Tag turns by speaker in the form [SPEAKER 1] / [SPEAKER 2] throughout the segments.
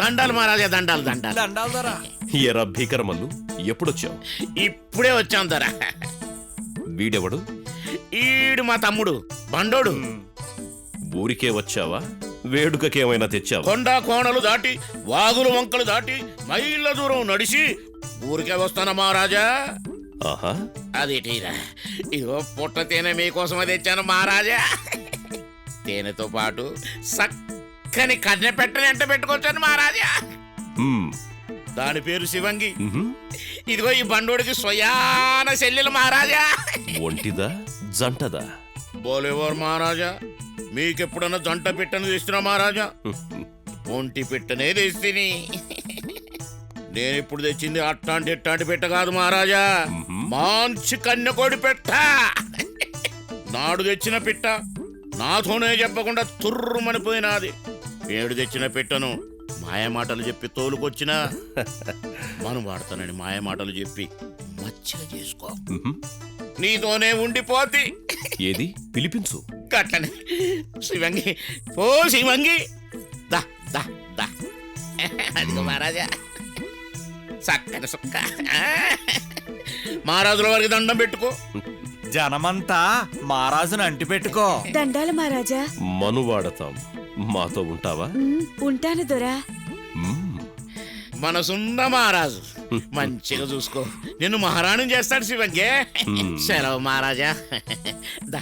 [SPEAKER 1] దండాలు మహారాజా, దండాలు దండాలు.
[SPEAKER 2] దండాలు దొరా.
[SPEAKER 3] ఎరా భీకరమల్లు, ఎప్పుడొచ్చావు?
[SPEAKER 1] ఇప్పుడే వచ్చాం దొర.
[SPEAKER 3] వీడెవడు?
[SPEAKER 1] ఈడు మా తమ్ముడు బండోడు.
[SPEAKER 3] ఊరికే వచ్చావా? వేడుకకేమైనా తెచ్చావా?
[SPEAKER 1] కొండ కోణలు దాటి, వాగులు వంకలు దాటి, మైళ్ళ దూరం నడిచి ఊరికే వస్తానా మహారాజా.
[SPEAKER 3] ఆహా,
[SPEAKER 1] అదేటీరా, ఇదిగో పుట్ట తేనె మీకోసమే తెచ్చాను మహారాజా. తేనెతో పాటు చక్కని కన్నె పెట్టని ఎంట పెట్టుకొచ్చాను మహారాజా.
[SPEAKER 3] మ్మ్.
[SPEAKER 1] దాని పేరు శివంగి.
[SPEAKER 3] మ్హూ.
[SPEAKER 1] ఇదిగో ఈ బండోడికి స్వయాన చెల్లెలు మహారాజా.
[SPEAKER 3] ఒంటిదా జంటదా?
[SPEAKER 1] బోలేవారు మహారాజా, మీకెప్పుడన్నా జంట పెట్టని తెస్తున్నా మహారాజా? ఒంటి పెట్టనే తెస్తిని. నేనిప్పుడు తెచ్చింది అట్టాంటి ఇట్టాంటి పెట్ట కాదు మహారాజా, మంచి కన్యకోడి పెట్ట. నాడు తెచ్చిన పిట్ట నాతోనే చెప్పకుండా తుర్రుమనిపోయినాది. ఏడు తెచ్చిన పెట్టను మాయమాటలు చెప్పి తోలుకొచ్చినా మనం వాడతానని మాయమాటలు చెప్పి మచ్చిగా చేసుకో,
[SPEAKER 3] మ్హూ.
[SPEAKER 1] నీతోనే ఉండిపోతి.
[SPEAKER 3] ఏది పిలిపించు.
[SPEAKER 1] గట్లనే శివంగి, ఓ శివంగి, దా దా దా. అదిగో మహారాజా, చక్కని సుక్క. మహారాజుల వారికి దండం పెట్టుకో.
[SPEAKER 2] జనమంతా మహారాజును అంటి పెట్టుకో.
[SPEAKER 4] దండాలు మహారాజా.
[SPEAKER 3] మనువాడతాం, మాతో ఉంటావా?
[SPEAKER 4] ఉంటాను దొరా.
[SPEAKER 3] మ్మ్.
[SPEAKER 1] మనసున్న మహారాజు, మంచిగా చూసుకో, నిన్ను మహారాణి చేస్తాడు శివంగి. సెలవు మహారాజా. దా.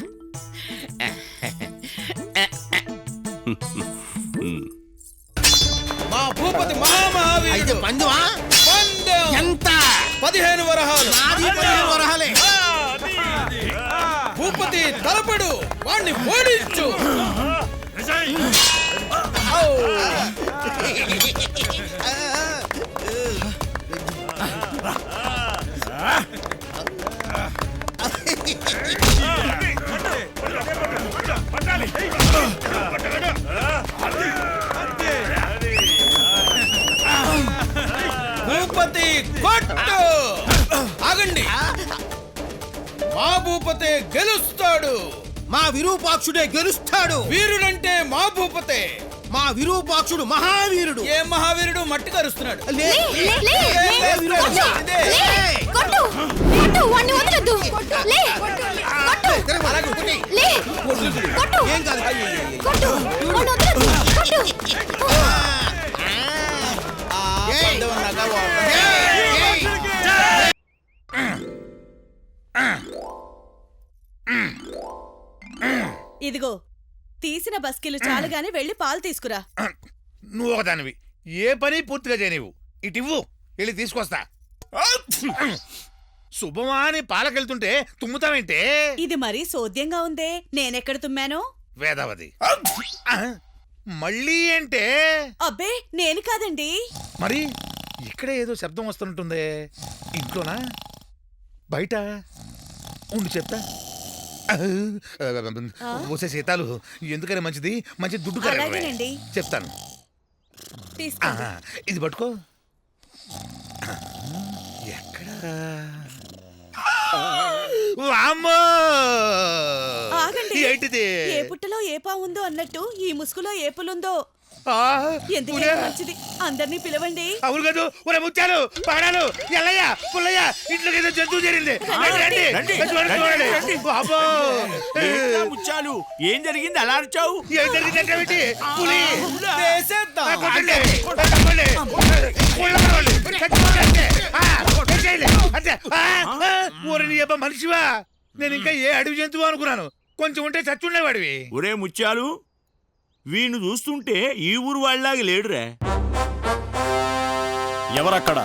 [SPEAKER 5] మా భూపతి మహామహావీరుడు
[SPEAKER 1] పందువా
[SPEAKER 5] పందెం
[SPEAKER 1] ఎంత?
[SPEAKER 5] 15 వరహాలు.
[SPEAKER 1] నాది 15 వరహాలే.
[SPEAKER 5] భూపతి తలపడు, వాణ్ణి ఓడించు. భూపతి కొట్టు. ఆగండి, మా భూపతే గెలుస్తాడు.
[SPEAKER 6] మా విరూపాక్షుడే గెలుస్తాడు.
[SPEAKER 5] వీరుడంటే మా భూపతే.
[SPEAKER 6] మా విరూపాక్షుడు మహావీరుడు.
[SPEAKER 5] ఏ మహావీరుడు మట్టి కరుస్తున్నాడు.
[SPEAKER 6] లే, లే, విరూపాక్ష.
[SPEAKER 5] ఇదే.
[SPEAKER 7] కొట్టు కొట్టు వాణ్ణి వదలొద్దు. లే కొట్టు
[SPEAKER 6] అలాగే కొట్టి.
[SPEAKER 7] లే కొట్టు
[SPEAKER 6] ఏం కాదు.
[SPEAKER 7] కొట్టు వాణ్ణి వదలొద్దు. కొట్టు
[SPEAKER 5] పందెం అన్నాక వాడు.
[SPEAKER 4] ఇదిగో తీసిన బస్కిలు చాలుగాని వెళ్ళి పాలు తీసుకురా.
[SPEAKER 8] నువ్వు ఒకదానివి, ఏ పని పూర్తిగా చేయనివ్వు. ఇటివ్వు, వెళ్ళి తీసుకొస్తా. శుభమా అని పాలకెళ్తుంటే తుమ్ముతావేంటే?
[SPEAKER 4] ఇది మరీ సోద్యంగా ఉందే, నేనెక్కడ తుమ్మాను?
[SPEAKER 8] వేదవతి. మళ్ళీ అంటే?
[SPEAKER 4] అబ్బే నేను కాదండి.
[SPEAKER 8] మరి ఇక్కడే ఏదో శబ్దం వస్తుంటుందే. ఇంట్లోనా బయట? ఉండి చెప్తా. ఓసే సీతాలు, ఎందుకని మంచిది, మంచి దుడ్డు కదా.
[SPEAKER 4] అలాగేనండి.
[SPEAKER 8] చెప్తాను.
[SPEAKER 4] తీసుకోండి.
[SPEAKER 8] ఇది పట్టుకో. ఎక్కడా? వామ్మో!
[SPEAKER 4] ఆగండి.
[SPEAKER 8] ఏంటిది?
[SPEAKER 4] ఏ పుట్టలో ఏ పావుందో అన్నట్టు ఈ ముసుగులో ఏ పులుందో.
[SPEAKER 8] ఆ,
[SPEAKER 4] ఎందుకైనా మంచిది, అందరినీ పిలవండి.
[SPEAKER 8] అవును కాదు. ఒరే ముత్యాలు, పాడాలు, ఎల్లయ్య, పుల్లయ్య, ఇంట్లోకి ఏదో జంతువు చేరింది. రండి. వామ్మో!
[SPEAKER 2] ముచ్చాలు, ఏం జరిగింది అలా అరిచావు?
[SPEAKER 8] ఏం జరిగిందంటే పులి.
[SPEAKER 5] వేసేద్దాం.
[SPEAKER 8] కొట్టండి, తప్పండి. కొట్టండి. చచ్చిపోకండి. చేయండి. అంతే. ఊరి నీ అబ్బా మనిషివా? నేను ఇంకా ఏ అడవి జంతువు అనుకున్నాను. కొంచెం ఉంటే చచ్చుండేవాడివి.
[SPEAKER 9] ఒరే ముత్యాలు, వీణ్ణి చూస్తుంటే ఈ ఊరు వాళ్ళలాగా లేడురా.
[SPEAKER 3] ఎవరక్కడ?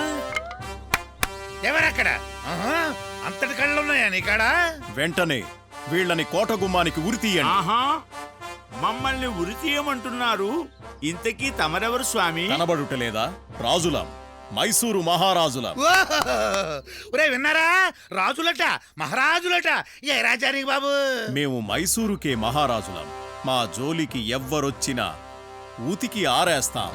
[SPEAKER 8] ఎవరక్కడ? అంతటి కళ్ళున్నాయా నీ కాడ?
[SPEAKER 3] వెంటనే వీళ్ళని కోట గుమ్మానికి ఉరి తీయండి.
[SPEAKER 9] ఆహా, మమ్మల్ని ఉరి తీయమంటున్నారు. ఇంతకీ తమరెవరు స్వామి?
[SPEAKER 3] కనబడుటలేదా? రాజులం, మైసూరు మహారాజులం.
[SPEAKER 8] ఒరే విన్నారా? రాజులట, మహారాజులట. ఏ రాజానికి బాబు?
[SPEAKER 3] మేము మైసూరుకే మహారాజులం. మా జోలికి ఎవ్వరొచ్చినా ఊతికి ఆరేస్తాం.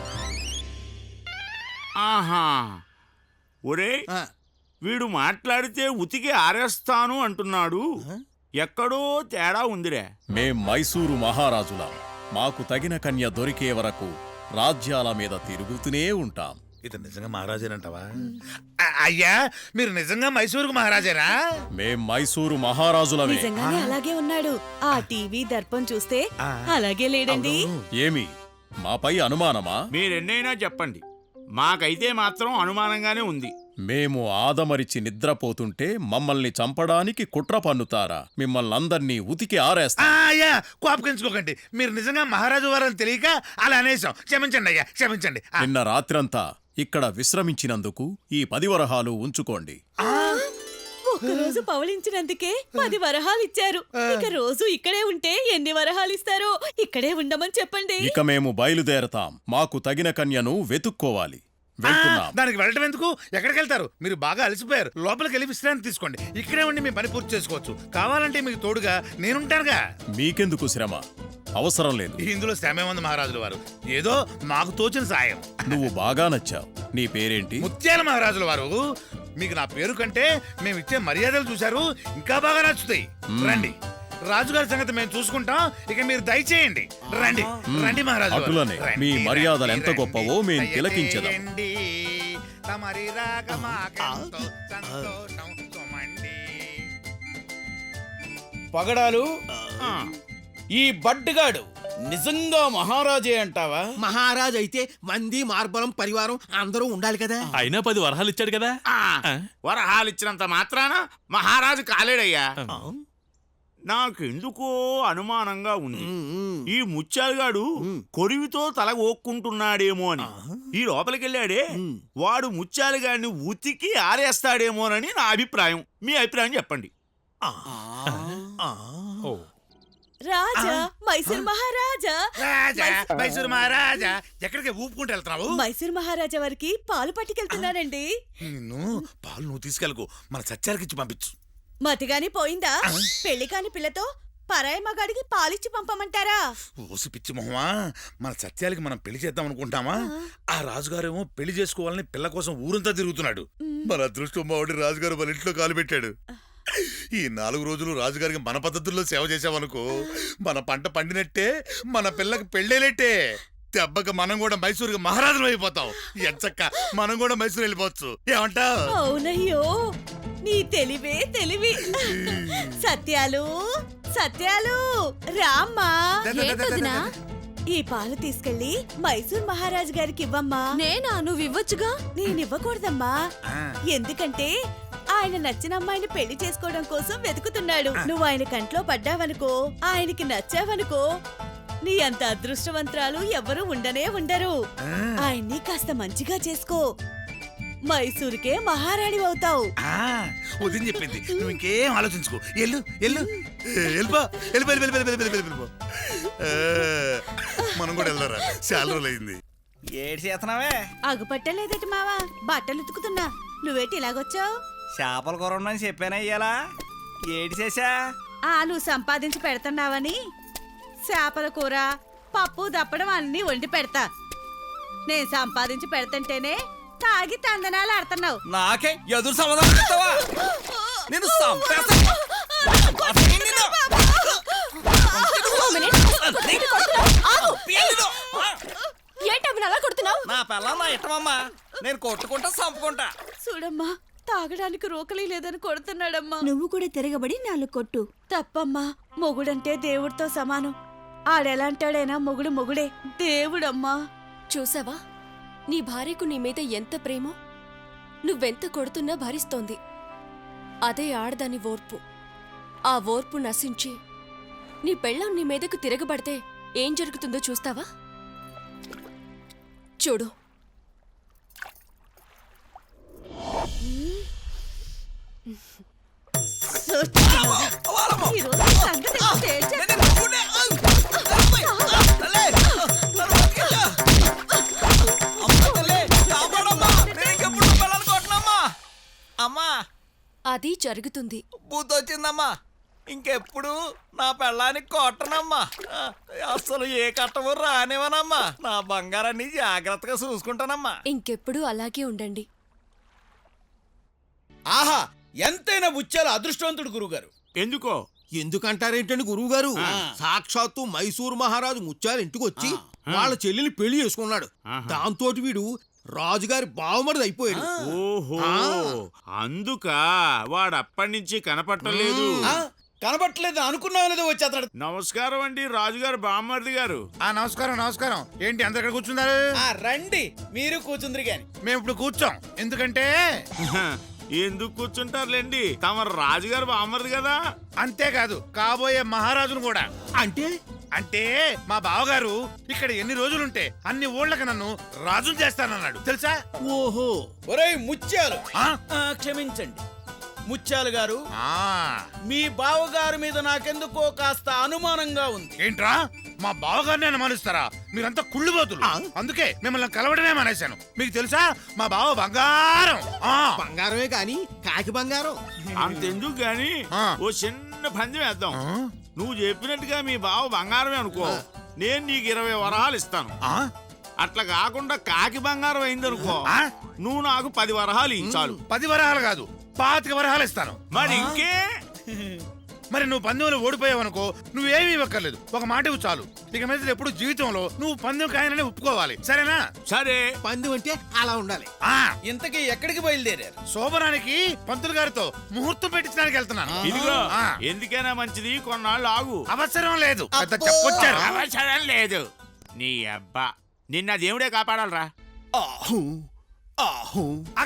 [SPEAKER 9] ఆహా, ఒరే వీడు మాట్లాడితే ఉతికి ఆరేస్తాను అంటున్నాడు. ఎక్కడో తేడా ఉందిరే.
[SPEAKER 3] మేం మైసూరు మహారాజులం. మాకు తగిన కన్య దొరికే వరకు రాజ్యాల మీద తిరుగుతూనే ఉంటాం.
[SPEAKER 8] ఇతను నిజంగా మహారాజేనంటావా? అయ్యా, మీరు నిజంగా మైసూరుకు మహారాజేనా?
[SPEAKER 3] మేం మైసూరు మహారాజులమే.
[SPEAKER 4] నిజంగానే అలాగే ఉన్నాడు. ఆ టీవీ దర్పం చూస్తే అలాగే లేడండి.
[SPEAKER 3] ఏమి మాపై అనుమానమా?
[SPEAKER 9] మీరెన్నైనా చెప్పండి, మాకైతే మాత్రం అనుమానంగానే ఉంది.
[SPEAKER 3] మేము ఆదమరిచి నిద్రపోతుంటే మమ్మల్ని చంపడానికి కుట్ర పన్నుతారా? మిమ్మల్ని అందర్నీ ఉతికి ఆరేస్తా.
[SPEAKER 8] అయ్యా, కోపగించుకోకండి. మీరు నిజంగా మహారాజు వారని తెలియక అలా అనేసాం. క్షమించండి అయ్యా, క్షమించండి.
[SPEAKER 3] నిన్న రాత్రంతా ఇక్కడ విశ్రమించినందుకు ఈ 10 వరహాలు ఉంచుకోండి.
[SPEAKER 4] ఒక్కరోజు పవళించినందుకే 10 వరహాలు ఇచ్చారు. ఇక రోజు ఇక్కడే ఉంటే ఎన్ని వరహాలు ఇస్తారో ఇక్కడే ఉండమని చెప్పండి.
[SPEAKER 3] ఇక మేము బయలుదేరతాం. మాకు తగిన కన్యను వెతుక్కోవాలి. వెళ్తున్నాం.
[SPEAKER 8] దానికి వెళ్ళటం ఎందుకు? ఎక్కడికి వెళ్తారు? మీరు బాగా అలసిపోయారు. లోపలికి వెళ్ళి విశ్రాంతి తీసుకోండి. ఇక్కడే ఉండి మీ పని పూర్తి చేసుకోవచ్చు. కావాలంటే మీకు తోడుగా నేనుంటానుగా.
[SPEAKER 3] మీకెందుకు శ్రమ? అవసరం లేదు.
[SPEAKER 8] ఇందులో శ్రమే ఉంది మహారాజుల వారు. ఏదో మాకు తోచిన సాయం.
[SPEAKER 3] నువ్వు బాగా నచ్చావు. నీ పేరేంటి?
[SPEAKER 8] ముత్యాల మహారాజుల వారు. మీకు నా పేరు కంటే మేము ఇచ్చే మర్యాదలు చూశారు, ఇంకా బాగా నచ్చుతాయి. రండి, రాజుగారి సంగతి మేము చూసుకుంటాం. ఇక మీరు దయచేయండి. రండి రండి మహారాజు.
[SPEAKER 3] అటులనే మీ మర్యాదలు ఎంత గొప్పవో మేము తిలకించదాం.
[SPEAKER 8] తమరి రాక మాకెంతో సంతోషం సుమండి.
[SPEAKER 5] పగడాలు, ఈ బడ్డుగాడు నిజంగా మహారాజే అంటావా?
[SPEAKER 6] మహారాజ్ అయితే మంది మార్బలం పరివారం అందరూ ఉండాలి కదా.
[SPEAKER 2] అయినా 10 వరహాలు ఇచ్చాడు కదా.
[SPEAKER 9] వరహాలు ఇచ్చినంత మాత్రాన మహారాజు కాలేడయ్యా. నాకెందుకో అనుమానంగా ఉంది. ఈ ముత్యాలుగాడు కొరివితో తల ఓక్కుంటున్నాడేమో అని. ఈ లోపలికెళ్ళాడే వాడు ముత్యాలుగాడిని ఉతికి ఆరేస్తాడేమోనని నా అభిప్రాయం. మీ అభిప్రాయం చెప్పండి.
[SPEAKER 4] రాజా, మైసూర్ మహారాజా.
[SPEAKER 8] రాజా, మైసూరు మహారాజా, ఎక్కడికి ఊపుకుంటూ వెళ్తున్నావు?
[SPEAKER 4] మైసూర్ మహారాజా వారికి పాలు పట్టుకెళ్తున్నానండి.
[SPEAKER 8] నిన్ను పాలు నువ్వు తీసుకెళ్ళకు, మన సత్యాలకి ఇచ్చి పంపించు.
[SPEAKER 4] మతిగాని పోయిందా? పెళ్లి కాని పిల్లతో పరాయి మగాడికి పాలిచ్చి పంపమంటారా?
[SPEAKER 8] ఓసి పిచ్చి మొహమా, మన సత్యాలకి మనం పెళ్లి చేద్దాం అనుకుంటామా? ఆ రాజుగారేమో పెళ్లి చేసుకోవాలని పిల్ల కోసం ఊరంతా తిరుగుతున్నాడు. మన అదృష్టం మావాడి రాజుగారు మన ఇంట్లో కాలు పెట్టాడు. ఈ 4 రోజులు రాజుగారికి మన పద్ధతుల్లో సేవ చేసామనుకో, మన పంట పండినట్టే, మన పిల్లకి పెళ్ళేనట్టే. దెబ్బకి మనం కూడా మైసూరుకి మహారాజులు అయిపోతాం. ఎంచక్క మనం కూడా మైసూరు వెళ్ళిపోవచ్చు. ఏమంటావ్?
[SPEAKER 4] అవునయ్యో, నీ తెలివే తెలివి. సత్యాలు, సత్యాలు, రామ్మా.
[SPEAKER 7] ఏంటదినా?
[SPEAKER 4] ఈ పాలు తీసుకెళ్లి మైసూర్ మహారాజు గారికి ఇవ్వమ్మా.
[SPEAKER 7] నేనా? నువ్వు ఇవ్వచ్చుగా.
[SPEAKER 4] నేనివ్వకూడదమ్మా. ఎందుకంటే ఆయన నచ్చిన అమ్మాయిని పెళ్లి చేసుకోవడం కోసం వెతుకుతున్నాడు. నువ్వు ఆయన కంట్లో పడ్డావనుకో, ఆయనకి నచ్చావనుకో, నీ అంత అదృష్టవంతరాలు ఎవ్వరూ ఉండనే ఉండరు. ఆయన్ని కాస్త మంచిగా చేసుకో, మైసూరుకే మహారాణి అవుతావు.
[SPEAKER 8] వదిన చెప్పింది, నువ్వు ఇంకేం ఆలోచించుకో. ఎల్లు ఎల్లు వెళ్ళిపో, వెళ్ళిపో. మనం కూడా వెళ్దారా? చాలా రోజులు అయింది.
[SPEAKER 5] ఏడు చేతనావే?
[SPEAKER 4] అగుపట్టలేదట మావా, బట్టలు ఉతుకుతున్నా. నువ్వేటి ఇలాగొచ్చావు?
[SPEAKER 5] చేపల కూర ఉండని చెప్పానా ఇయ్యాలా? ఏడు చేసా?
[SPEAKER 4] నువ్వు సంపాదించి పెడుతున్నావని చేపల కూర, పప్పు దప్పడం అన్ని వండి పెడతా. నేను సంపాదించి పెడతంటేనే తాగి తందనాలు ఆడుతున్నావు.
[SPEAKER 5] నాకే ఎదురు సమాధానం చెప్తావా? నేను
[SPEAKER 7] ఏంటవి అలా కొడుతున్నావు?
[SPEAKER 5] నా పిల్ల నా ఇష్టమమ్మా, నేను కొట్టుకుంటా చంపుకుంటా.
[SPEAKER 4] చూడమ్మా, తాగడానికి రోకలి లేదని కొడుతున్నాడమ్మా.
[SPEAKER 7] నువ్వు కూడా తిరగబడి 4 కొట్టు.
[SPEAKER 4] తప్పమ్మా, మొగుడంటే దేవుడితో సమానం. ఆడెలాంటాడైనా మొగుడు మొగుడే, దేవుడమ్మా.
[SPEAKER 7] చూసావా, నీ భార్యకు నీ మీద ఎంత ప్రేమో. నువ్వెంత కొడుతున్నా భరిస్తోంది. అదే ఆడదాని ఓర్పు. ఆ ఓర్పు నశించి నీ పెళ్ళం నీ మీదకు తిరగబడితే ఏం జరుగుతుందో చూస్తావా? చూడు.
[SPEAKER 4] ఈ రోజు ఈ సంగతి తేల్చేస్తా.
[SPEAKER 5] అమ్మా,
[SPEAKER 7] అది జరుగుతుంది.
[SPEAKER 5] బుద్ధొచ్చిందమ్మా. ఇంకెప్పుడు నా పెళ్ళానికి కొట్టనమ్మా. అసలు ఏ కట్టవు రానివనమ్మా. నా బంగారాన్ని జాగ్రత్తగా చూసుకుంటానమ్మా.
[SPEAKER 7] ఇంకెప్పుడు అలాగే ఉండండి.
[SPEAKER 5] ఆహా, ఎంతైనా ముత్యాల అదృష్టవంతుడు గురుగారు.
[SPEAKER 9] ఎందుకో?
[SPEAKER 6] ఎందుకంటారేంటండి గురువు గారు? సాక్షాత్తు మైసూరు మహారాజు ముత్యాల ఇంటికి వచ్చి వాళ్ళ చెల్లిని పెళ్లి చేసుకున్నాడు.
[SPEAKER 9] ఆహా.
[SPEAKER 6] దాంతో వీడు రాజుగారి బావమరిది అయిపోయాడు.
[SPEAKER 9] ఓహో అందుక వాడు అప్పటి నుంచి కనపట్టలేదు.
[SPEAKER 5] కనబట్టలేదు అనుకున్నావు లేదో వచ్చి అతడు.
[SPEAKER 9] నమస్కారం అండి రాజుగారు బామ్మర్ది గారు.
[SPEAKER 8] నమస్కారం నమస్కారం. ఏంటి అందరు ఇక్కడ కూర్చున్నారు?
[SPEAKER 5] రండి మీరు కూర్చుందిరి గాని.
[SPEAKER 8] మేము ఇప్పుడు కూర్చోం, ఎందుకంటే
[SPEAKER 9] ఎందుకు కూర్చుంటారులేండి, తమ రాజుగారు బామ్మర్ది కదా.
[SPEAKER 8] అంతేకాదు కాబోయే మహారాజును కూడా.
[SPEAKER 6] అంటే
[SPEAKER 8] అంటే మా బావగారు ఇక్కడ ఎన్ని రోజులుంటే అన్ని ఊళ్ళకి నన్ను రాజును చేస్తానన్నాడు తెలుసా?
[SPEAKER 6] ఓహో,
[SPEAKER 5] ఒరేయ్ ముత్యాలు,
[SPEAKER 8] ఆ?
[SPEAKER 5] క్షమించండి ముత్యాలు గారు,
[SPEAKER 8] ఆ,
[SPEAKER 5] మీ బావగారి మీద నాకెందుకో కాస్త అనుమానంగా ఉంది.
[SPEAKER 8] ఏంట్రా మా బావగారిని అనుమానిస్తారా? మీరంతా కుళ్ళుబోతులు. అందుకే మిమ్మల్ని కలవడమే మానేశాను. మీకు తెలుసా మా బావ బంగారం.
[SPEAKER 6] బంగారమే కాని కాకి బంగారం.
[SPEAKER 9] అంతెందుకు గాని
[SPEAKER 8] ఆ.
[SPEAKER 9] ఓ చిన్న పందెం వేద్దాం.
[SPEAKER 8] ఆ?
[SPEAKER 9] నువ్వు చెప్పినట్టుగా మీ బావ బంగారమే అనుకో, నేను నీకు 20 వరహాలు ఇస్తాను.
[SPEAKER 8] ఆ?
[SPEAKER 9] అట్లా కాకుండా కాకి బంగారం అయిందనుకో,
[SPEAKER 8] ఆ?
[SPEAKER 9] నువ్వు నాకు 10 వరహాలు ఇచ్చాలు.
[SPEAKER 8] 10 వరహాలు కాదు 25 వరహాలు ఇస్తాను.
[SPEAKER 9] మరి ఇంకే
[SPEAKER 8] మరి నువ్వు పందెంలో ఓడిపోయావనుకో నువ్వేమీ ఇవ్వక్కర్లేదు. ఒక మాట ఇవ్వు చాలు. ఇక మీద ఎప్పుడు జీవితంలో నువ్వు పందెం కాయనని ఒప్పుకోవాలి, సరేనా?
[SPEAKER 9] సరే.
[SPEAKER 6] పందెం అంటే అలా ఉండాలి.
[SPEAKER 8] ఆ,
[SPEAKER 5] ఇంతకీ ఎక్కడికి బయలుదేరారు?
[SPEAKER 8] శోభనానికి పంతులు గారితో ముహూర్తం పెట్టించడానికి వెళ్తున్నాను.
[SPEAKER 9] ఇదిగో
[SPEAKER 8] ఆ.
[SPEAKER 9] ఎందుకైనా మంచిది, కొన్నాళ్ళు ఆగు.
[SPEAKER 8] అవసరం లేదు, పెద్ద చెప్పొచ్చారు.
[SPEAKER 9] అవసరం లేదు. నీ అబ్బా నిన్న దేవుడే కాపాడాలరా.
[SPEAKER 6] ఆహు ఆహు.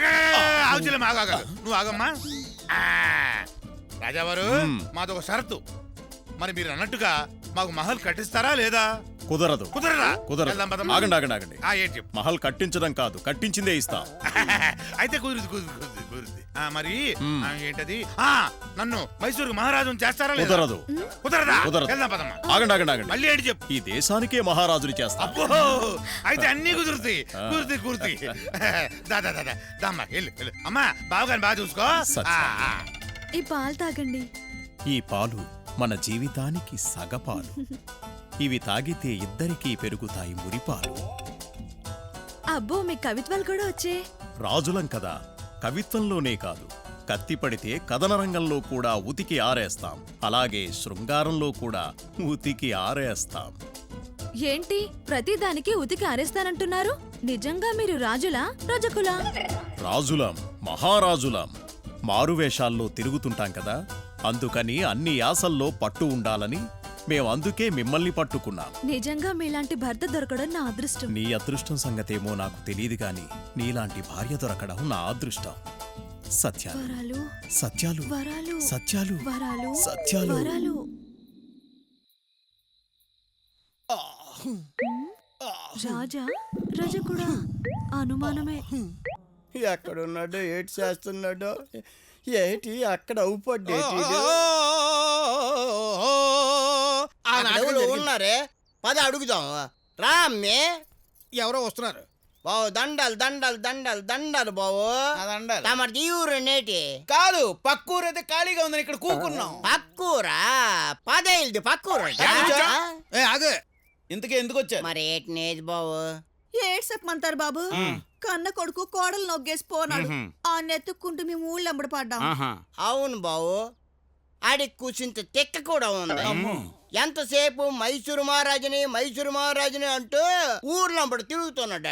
[SPEAKER 8] నువ్వు ఆగమ్మా. ఆ, రాజావారు మాదొక షరతు. మరి మీరు అన్నట్టుగా మాకు మహల్ కట్టిస్తారా లేదా?
[SPEAKER 3] కుదరదు.
[SPEAKER 8] కుదరదా?
[SPEAKER 3] కుదరదు.
[SPEAKER 8] వెళ్దాం పదమ్మా.
[SPEAKER 3] ఆగండి ఆగండి ఆగండి.
[SPEAKER 8] ఏంటి చెప్పు.
[SPEAKER 3] మహల్ కట్టించడం కాదు, కట్టించిందే ఇస్తాం.
[SPEAKER 8] అయితే కుదురుద్ది. మరి ఏంటది? నన్ను మైసూరు మహారాజును చేస్తారా లేదా?
[SPEAKER 3] కుదరదు.
[SPEAKER 8] కుదరదా?
[SPEAKER 3] కుదరదు.
[SPEAKER 8] వెళ్దాం పదమ్మా.
[SPEAKER 3] ఆగండి ఆగండి ఆగండి.
[SPEAKER 8] మళ్ళీ ఏంటి చెప్పు.
[SPEAKER 3] ఈ దేశానికే మహారాజుని చేస్తాం.
[SPEAKER 8] అబ్బో, అయితే అన్ని కుదురుతాయి. దామ్మా వెళ్ళు. అమ్మా బావగారిని బాగా చూసుకో.
[SPEAKER 3] సత్యం.
[SPEAKER 4] ఈ పాలు తాగండి.
[SPEAKER 3] ఈ పాలు మన జీవితానికి సగపాలు. ఇవి తాగితే ఇద్దరికీ పెరుగుతాయి మురిపాలు.
[SPEAKER 4] అబ్బో మీ కవిత్వాలు కూడా వచ్చే.
[SPEAKER 3] రాజులం కదా, కవిత్వంలోనే కాదు, కత్తి పడితే కథన రంగంలో కూడా ఉతికి ఆరేస్తాం. అలాగే శృంగారంలో కూడా ఉతికి ఆరేస్తాం.
[SPEAKER 4] ఏంటి ప్రతిదానికి ఉతికి ఆరేస్తానంటున్నారు? నిజంగా మీరు రాజులా రజకులా?
[SPEAKER 3] రాజులం, మహారాజులం. మారువేషాల్లో తిరుగుతుంటాం కదా, అందుకని అన్ని యాసల్లో పట్టు ఉండాలని మేమందుకే మిమ్మల్ని పట్టుకున్నాం.
[SPEAKER 4] నిజంగా మీలాంటి భర్త దొరకడం నా అదృష్టం.
[SPEAKER 3] నీ అదృష్టం సంగతేమో నాకు తెలియదు గాని నీలాంటి భార్య దొరకడం నా అదృష్టం. సత్యాలు
[SPEAKER 4] వరాలు
[SPEAKER 3] సత్యాలు
[SPEAKER 4] వరాలు
[SPEAKER 3] సత్యాలు
[SPEAKER 4] వరాలు
[SPEAKER 3] సత్యాలు.
[SPEAKER 4] వరాలు. రాజా రజకుడా? అనుమానమే.
[SPEAKER 5] ఎక్కడున్నాడో ఏటి చేస్తున్నాడో ఏటి అక్కడ అవుపడ్డేటి ఉన్నారే. పద అడుగుదాం. రా అమ్మే.
[SPEAKER 6] ఎవరో వస్తున్నారు.
[SPEAKER 5] బావు దండాలు దండాలు దండాలు దండాలు బావు. తమది ఊరు నేటి కాదు, పక్కూరు అయితే ఖాళీగా ఉందని ఇక్కడ కూకున్నాం. పక్కూరా? పదేళ్ళది పక్కూరు.
[SPEAKER 6] ఆగే.
[SPEAKER 5] ఇంతకీ ఎందుకు వచ్చారు? మరి ఏటి నేది బావు?
[SPEAKER 4] ఏడ్ చెప్పమంటారు బాబు. కన్న కొడుకు కోడలు నొగ్గేసి పోనాడు. ఆ నెత్తుక్కుంటూ మేము ఊళ్ళో ఎంబడి పడ్డాం.
[SPEAKER 5] అవును బావు, ఆడికి కూర్చుంటే తెక్క కూడా ఉంది. ఎంతసేపు మైసూరు మహారాజుని అంటూ ఊర్లంబడి తిరుగుతున్నాడు.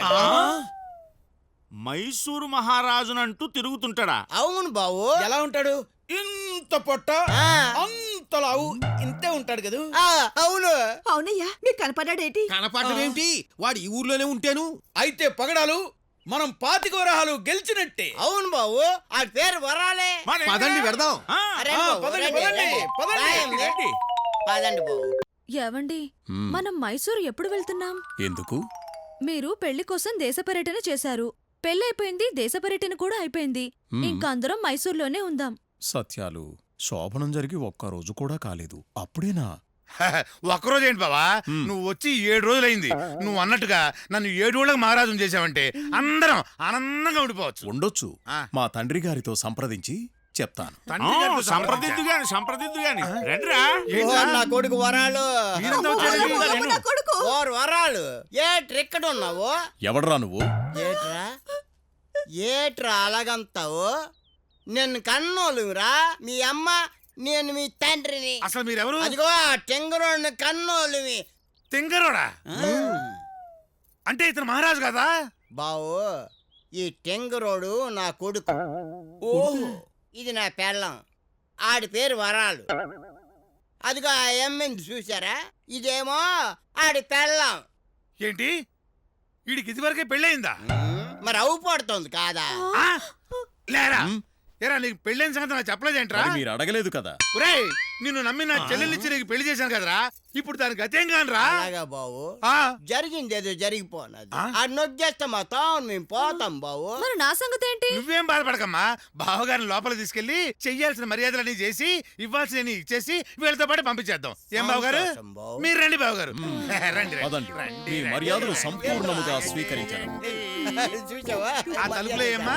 [SPEAKER 9] మైసూరు మహారాజునంటూ తిరుగుతుంటాడా?
[SPEAKER 5] అవును బావు.
[SPEAKER 2] ఎలా ఉంటాడు? ఇంత పొట్ట అంత లావు ఇంతే ఉంటాడు కదా.
[SPEAKER 5] అవును.
[SPEAKER 4] అవునయ్యా మీకు కనపడ్డాడేటి?
[SPEAKER 6] కనపడడం ఏంటి? వాడు ఈ ఊర్లోనే ఉంటాను.
[SPEAKER 2] అయితే పగడాలు మనం 25 వరహాలు గెలిచినట్టే.
[SPEAKER 5] అవును బావు, ఆ పేరు వరాలే.
[SPEAKER 9] మరి
[SPEAKER 6] పదండి వెడదాం.
[SPEAKER 5] అరే
[SPEAKER 2] ఆ,
[SPEAKER 5] బావు,
[SPEAKER 2] పదండి,
[SPEAKER 5] రండి,
[SPEAKER 2] పదండి,
[SPEAKER 5] రండి.
[SPEAKER 2] పదండి,
[SPEAKER 5] రాయండి.
[SPEAKER 9] రండి.
[SPEAKER 5] పదండి బావు.
[SPEAKER 4] ఏవండి మనం మైసూరు ఎప్పుడు వెళ్తున్నాం?
[SPEAKER 3] ఎందుకు?
[SPEAKER 4] మీరు పెళ్లి కోసం దేశ పర్యటన చేశారు. పెళ్ళైపోయింది, దేశ పర్యటన కూడా అయిపోయింది. ఇంకా అందరం మైసూర్లోనే ఉందాం.
[SPEAKER 3] సత్యాలు, శోభనం జరిగి ఒక్కరోజు కూడా కాలేదు, అప్పుడేనా?
[SPEAKER 8] ఒక్కరోజు ఏంటి బావా, నువ్వు వచ్చి 7 రోజులైంది. నువ్వు అన్నట్టుగా నన్ను 7 ఊళ్ళకి మహారాజును చేసావంటే అందరం ఆనందంగా ఉండిపోవచ్చు.
[SPEAKER 3] ఉండొచ్చు. మా తండ్రి గారితో సంప్రదించి చెప్తాను.
[SPEAKER 8] తండ్రి గారితో
[SPEAKER 9] సంప్రదిద్దు గాని రండిరా.
[SPEAKER 5] నా కొడుకు వరాలు.
[SPEAKER 8] మీరంతా వచ్చారండి.
[SPEAKER 5] ఓరు వరాలు. ఏట్రెక్కడ ఉన్నావు?
[SPEAKER 3] ఎవడ్రా నువ్వు?
[SPEAKER 5] ఏట్రా అలాగంతావు? నిన్ను కన్నోలురా మీ అమ్మ, నేను మీ తండ్రిని.
[SPEAKER 8] అసలు మీరెవరు?
[SPEAKER 5] అదిగో టెంగరోడ్ని కన్నోలువి.
[SPEAKER 8] తింగరోడా? అంటే ఇతను మహారాజు కదా?
[SPEAKER 5] బావు ఈ టెంగరోడు నా కొడుకు. ఇది నా పెళ్ళం. ఆడి పేరు వరాలు. అదిగో ఆ ఎమ్మింది చూసారా, ఇదేమో ఆడి పెళ్ళం.
[SPEAKER 8] ఏంటి వీడికి ఇదివరకే పెళ్ళయిందా?
[SPEAKER 5] మరి అవు పడుతుంది కాదా?
[SPEAKER 8] ఆ? లేరా ఏరా నీకు పెళ్ళైన సంగతి నాకు చెప్పలేదేంట్రా?
[SPEAKER 3] మరి మీరు అడగలేదు కదా.
[SPEAKER 8] ఒరేయ్ నిన్ను నమ్మి నా చెల్లెలిచ్చి నీకు పెళ్లి చేశాను కదరా, ఇప్పుడు దానికి గతేం కానరా?
[SPEAKER 5] అలాగా బావు,
[SPEAKER 8] ఆ?
[SPEAKER 5] జరిగింది ఏదో జరిగిపోనది.
[SPEAKER 8] ఆ?
[SPEAKER 5] అది నొక్కేస్తే మా తాను మేము పోతాం బావు.
[SPEAKER 7] మరి నా సంగతి ఏంటి?
[SPEAKER 8] నువ్వేం బాధపడకమ్మా, బావగారిని లోపల తీసుకెళ్లి చెయ్యాల్సిన మర్యాదలన్నీ చేసి ఇవ్వాల్సిన ఇచ్చేసి వీళ్ళతో పాటు పంపించేద్దాం. ఏం బావగారు?
[SPEAKER 5] సంతోషం బావు.
[SPEAKER 8] మీరు రండి బావగారు. రండి
[SPEAKER 3] పదండి.
[SPEAKER 8] రండి,
[SPEAKER 3] మీ
[SPEAKER 8] రండి.
[SPEAKER 3] మర్యాదలు సంపూర్ణముగా స్వీకరించాను.
[SPEAKER 5] చూసావా?
[SPEAKER 8] ఆ తలుపులో ఏమ్మా?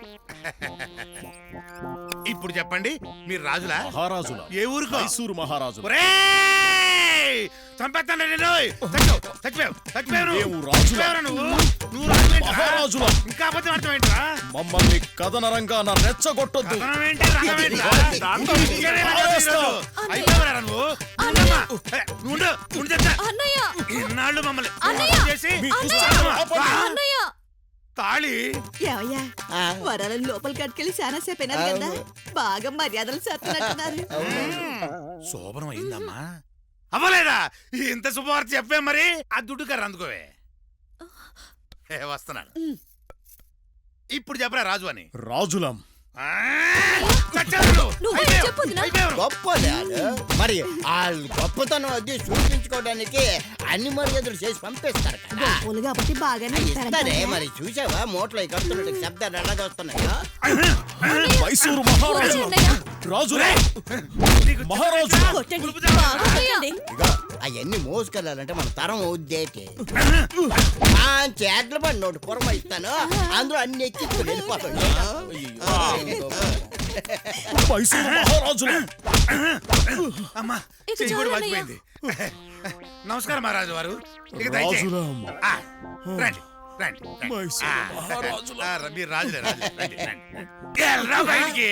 [SPEAKER 8] ఇప్పుడు చెప్పండి, మీరు రాజులా?
[SPEAKER 3] మహారాజుల
[SPEAKER 8] ఏ ఊరుకో?
[SPEAKER 3] మైసూరు మహారాజు.
[SPEAKER 8] ఒరేయ్! చంపేస్తాను నిన్ను. చచ్చిపోయావు నువ్వు.
[SPEAKER 3] మేము రాజులం.
[SPEAKER 8] చచ్చిపోయావురా నువ్వు. నువ్వు రాజువేంట్రా?
[SPEAKER 3] మహారాజులం.
[SPEAKER 8] ఇంకా అబద్ధం అర్థమేంట్రా?
[SPEAKER 3] మమ్మల్ని కథనరంగా నా రెచ్చగొట్టొద్దు.
[SPEAKER 8] కథనం ఏంటి, రంగం ఏంట్రా? ఇంకేనే రంగం
[SPEAKER 3] పారేస్తా.
[SPEAKER 8] ఈరోజు? అయిపోయావురా నువ్వు. ఉండమ్మా. ఏ, నువ్వు ఉండు, ఉండు చెప్తా.
[SPEAKER 7] అన్నయ్య
[SPEAKER 8] ఇన్నాళ్ళు మమ్మల్ని
[SPEAKER 7] అన్నయ్య!
[SPEAKER 8] మోసం చేసి
[SPEAKER 3] మీ
[SPEAKER 8] చూస్తావా?
[SPEAKER 3] ఆపండి.
[SPEAKER 8] ఆ?
[SPEAKER 7] అన్నయ్య
[SPEAKER 8] తాళి
[SPEAKER 4] ఏమయ్యా
[SPEAKER 5] ఆ.
[SPEAKER 4] వరాలను లోపలికి అట్టుకెళ్ళి చాలా సేపు అయినారు కదా, బాగా మర్యాదలు చేస్తున్నట్టున్నారు.
[SPEAKER 8] శోభనం అయిందమ్మా? అవ్వలేదా? ఇంత శుభవార్త చెప్పే మరి. ఆ దుడ్డు కర్ర అందుకోవే. వస్తున్నాను. ఇప్పుడు చెప్పరా రాజు అని.
[SPEAKER 3] రాజులం.
[SPEAKER 8] ఆ, చచ్చావు నువ్వు.
[SPEAKER 7] నువ్వే
[SPEAKER 8] అయిపోయావు.
[SPEAKER 7] చెప్పు వదినా.
[SPEAKER 8] అయిపోయావు.
[SPEAKER 5] గొప్పలే ఆడు. మరి ఆ గొప్పతనం అది చూపించుకోవడానికి అన్ని మర్యాదలు చేసి పంపిస్తారు కదా.
[SPEAKER 4] గొప్పలు కాబట్టి బాగానే
[SPEAKER 5] ఇస్తారే మరి. చూసావా మూటలో కడుతున్నట్టు శబ్దాలు ఎలాగ వస్తున్నాయో.
[SPEAKER 3] మైసూరు మహారాజు.
[SPEAKER 7] అన్నయ్య
[SPEAKER 3] రాజులే.
[SPEAKER 8] నీకు
[SPEAKER 3] మహారాజు.
[SPEAKER 4] కొట్టండి.
[SPEAKER 8] ఉలుపుతావా?
[SPEAKER 4] బాగా కొట్టండి.
[SPEAKER 5] ఇగో అవన్నీ మోసుకెళ్ళాలంటే మన తరం ఉద్దేటి. చేతుల పడి నోటి పొరమ ఇస్తాను, అందులో అన్ని ఎక్కించుకుని వెళ్ళిపోతాడు.
[SPEAKER 3] మైసూరు మహారాజులే.
[SPEAKER 8] అమ్మా
[SPEAKER 7] ఇక
[SPEAKER 8] చెయ్యి కూడా
[SPEAKER 7] చాలు
[SPEAKER 8] వాచిపోయింది. నమస్కారం మహారాజు వారు. ఇక దయచేయండి.
[SPEAKER 3] రాజులం.
[SPEAKER 8] ఆ, రండి రండి రండి.
[SPEAKER 3] మైసూరు
[SPEAKER 8] ఆ,
[SPEAKER 3] మహారాజులం.
[SPEAKER 8] మీరు రాజులే రాజులే. రండి రండి. ఎల్రా బయటికి.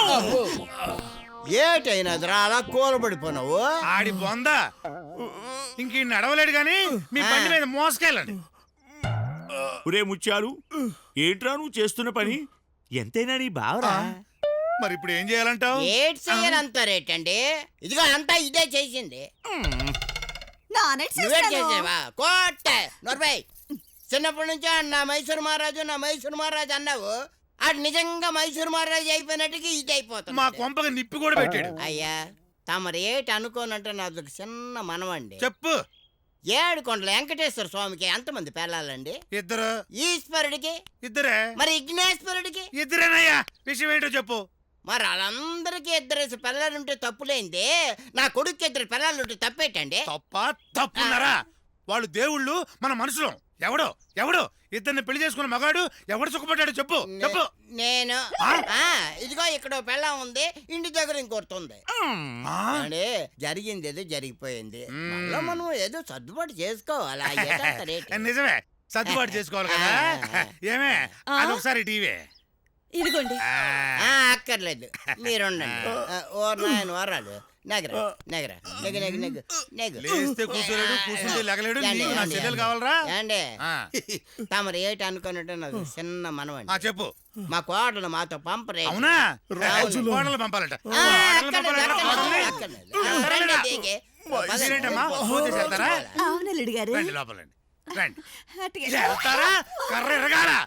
[SPEAKER 5] ఏటైనా అలా కూలబడిపోయినావు.
[SPEAKER 8] ఆడి బొంద ఇంక నడవలేడు గాని మీ బండి మీద మోసుకెళ్ళండి.
[SPEAKER 9] ఒరే ముత్యాలు, ఏంట్రా నువ్వు చేస్తున్న పని? ఎంతైనా నీ బావరా.
[SPEAKER 8] మరి ఇప్పుడు ఏం చేయాలంటావు?
[SPEAKER 5] ఏట్ చెయ్యాలంటారేటండి? ఇదిగో అంతా ఇదే చేసింది.
[SPEAKER 4] నానెట్
[SPEAKER 5] నువ్వే
[SPEAKER 4] చేస్తాను.
[SPEAKER 5] చేసావా? కోట నొరబై. చిన్నప్పటి నుంచి నా మైసూరు మహారాజు నా మైసూరు మహారాజు అన్నావు. ఆడు నిజంగా మైసూరు మహారాజు అయిపోయినట్టుగా ఇది అయిపోతుంది.
[SPEAKER 8] మా కొంపకి నిప్పి కూడా పెట్టాడు.
[SPEAKER 5] అయ్యా తమరు ఏటి అనుకోనంటే నాది ఒక చిన్న మనవండి.
[SPEAKER 8] చెప్పు.
[SPEAKER 5] ఏడుకొండల వెంకటేశ్వర స్వామికి ఎంతమంది పిల్లలండి?
[SPEAKER 8] ఇద్దరు.
[SPEAKER 5] ఈశ్వరుడికి?
[SPEAKER 8] ఇద్దరే.
[SPEAKER 5] మరి విఘ్నేశ్వరుడికి?
[SPEAKER 8] ఇద్దరేనయ్యా. విషయం ఏంటో చెప్పు.
[SPEAKER 5] మరి వాళ్ళందరికీ ఇద్దరేసి పిల్లలుంటే తప్పులేంది, నా కొడుకు ఇద్దరు పిల్లలుంటే తప్పేటండి?
[SPEAKER 8] తప్ప తప్పున్నారా? వాళ్ళు దేవుళ్ళు, మన మనుషులం. ఎవడో ఎవడో ఇద్దరిని పెళ్లి చేసుకున్న మగాడు ఎవడు సుఖపడ్డాడు చెప్పు చెప్పు.
[SPEAKER 5] నేను
[SPEAKER 8] ఆ?
[SPEAKER 5] ఇదిగో ఇక్కడ పెళ్ళం ఉంది, ఇంటి దగ్గర ఇంకొస్తుంది.
[SPEAKER 8] ఆ?
[SPEAKER 5] అంటే జరిగింది ఏదో జరిగిపోయింది.
[SPEAKER 8] మ్మ్.
[SPEAKER 5] మళ్ళా మనం ఏదో సర్దుబాటు చేసుకోవాలి. ఆ ఏటంటారేటి?
[SPEAKER 8] నిజమే, సర్దుబాటు చేసుకోవాలి కదా. ఏమే అదొకసారి టీవీ.
[SPEAKER 4] ఇదిగోండి.
[SPEAKER 5] అక్కర్లేదు, మీరుండండి. ఓ నాయన వరాలు నెగర నెగర నెగ నెగ నెగ నెగ.
[SPEAKER 8] లేస్తే కూర్చోలేడు, కూర్చుంటే లెగలేడు.
[SPEAKER 5] ఏండి,
[SPEAKER 8] నీకు నా
[SPEAKER 5] ఏండి,
[SPEAKER 8] చెల్లెలు కావాలరా?
[SPEAKER 5] ఏండి
[SPEAKER 8] ఆ.
[SPEAKER 5] తమరు ఏటి అనుకున్నట్టు నాకు చిన్న మనవండి.
[SPEAKER 8] చెప్పు.
[SPEAKER 5] మా కోడలు మాతో పంపరే.
[SPEAKER 8] అవునా?
[SPEAKER 5] రాజులు.
[SPEAKER 8] కోడలు పంపాలంట. మీరేంటమ్మా పూజ చేస్తారా?
[SPEAKER 4] అవును అల్లుడు గారు.
[SPEAKER 8] రండి లోపలండి రండి.
[SPEAKER 4] అటుగా.
[SPEAKER 8] వెళ్తారా? కర్ర ఎరగాల.